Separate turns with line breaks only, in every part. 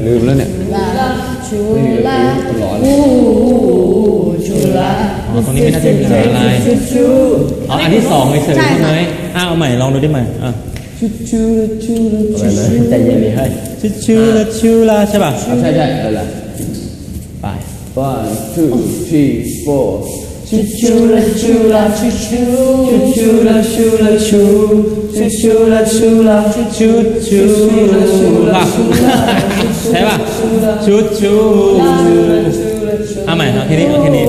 ลืมแล้วเนี่ย
ชูลา
ตลอด
ชูลา
ตรงนี้ไม่น่าจะมีอะไรเอาอันที่สองเลยเฉยใช่ไหมเอาใหม่ลองดูได้ไหม
อะไรนะใจเย็นดิเฮ้ย
ชูลาใช่ป่ะ
ใช่อะไรล่ะไป one two three four ชูลาชูลาชูชูลาชูลาชูชูลาชูลาชู
ป่ะใช่ป่ะชูเอาใหม่เอาแค่นี้อันนี้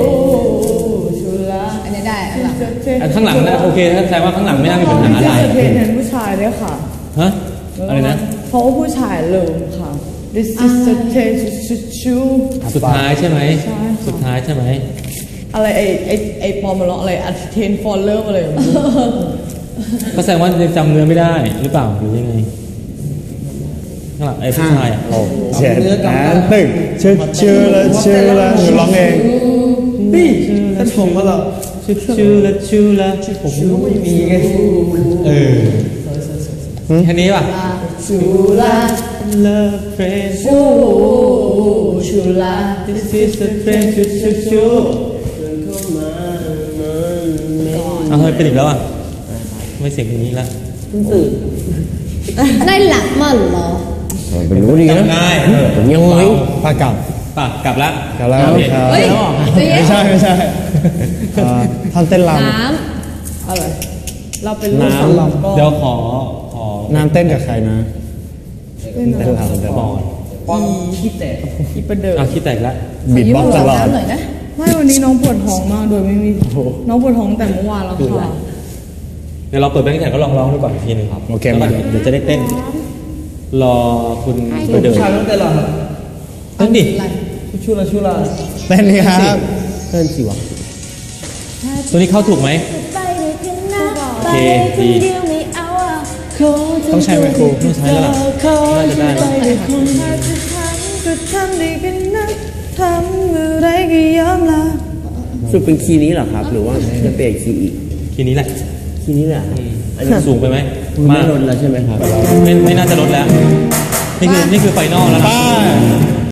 ได้
อันข้างหลังนะโอเคถ้าแสดงว่าข้างหลังไม่น่ามีปัญหาอะไร
เพลงนั้นผู้ชายด้วยค่ะ
ฮะอะไรนะ
เพราะว่าผู้ชายเริ่มค่ะ This is the taste
สุดท้ายใช่ไหมสุดท้ายใช่ไหม
อะไรไอปอมมาร้องอะไรอัดเทนฟอลเลอร์อะไร
ก็แสดงว่ายังจำเนื้อไม่ได้หรือเปล่าหรือยังไงข้างหลังไอ้ผู้ชาย
7 and 1ชื่อแล้วร้องเอง
นี่ถ้าชมก็เรา
ชูละผมไม่มีไงแค่นี้ป่ะ
ชูลา
Love friend
ชูลา
This is the friend ชูเอาเฮ้ยเป็นอีกแล้วอ่ะไม่เสียงอย่างนี้ละ
ตื่นได้หลักมั่นเหรอ
เป็นรู้ดีนะผมยังไม่
ปาก
กลับแล้ว
ไม่ใช่ท่านเต้นร
ำ
อะไรเราเป็นลูกสาวลำก็
เดี๋ยวขอ
น้ำเต้นกับใครนะ
เต้นรำ
ป้อนขี้แตก
อีประเดิม
ขี้แตกแล้ว
บีบบ็อกตลอด
ไม่วันนี้น้องปวดท้องมากโดยไม่มีน้องปวดท้องแต่เมื่อวานแล้วค่ะ
เดี๋ยวเราเปิดแบงค์แข่งก็ลองร้องดูก่อนอีกทีนึงครับ
โอเคมา
เดี๋ยวจะได้เต้นรอคุณไปเดิน
ชายต้องเต้นหรอ
เต้นดิ
ชูลา
เต้นนี่ครับ
เต้นสิวะ
ตัวนี้เข้าถูกไหมโอเคดี
ต้องใช้ไหมครู
ต้องใช้แล้วล่ะน่าจะได้
สุดเป็นคีย์นี้เหรอครับหรือว่าจะเปลี่ยนคีย์อีก
คีย์นี้แหละ
คีย์นี้แหละ
อันนี้สูงไปไหม
ไม่ลดแล้วใช่ไหมครับ
ไม่น่าจะลดแล้วนี่คือไฟนอลแล้วนะ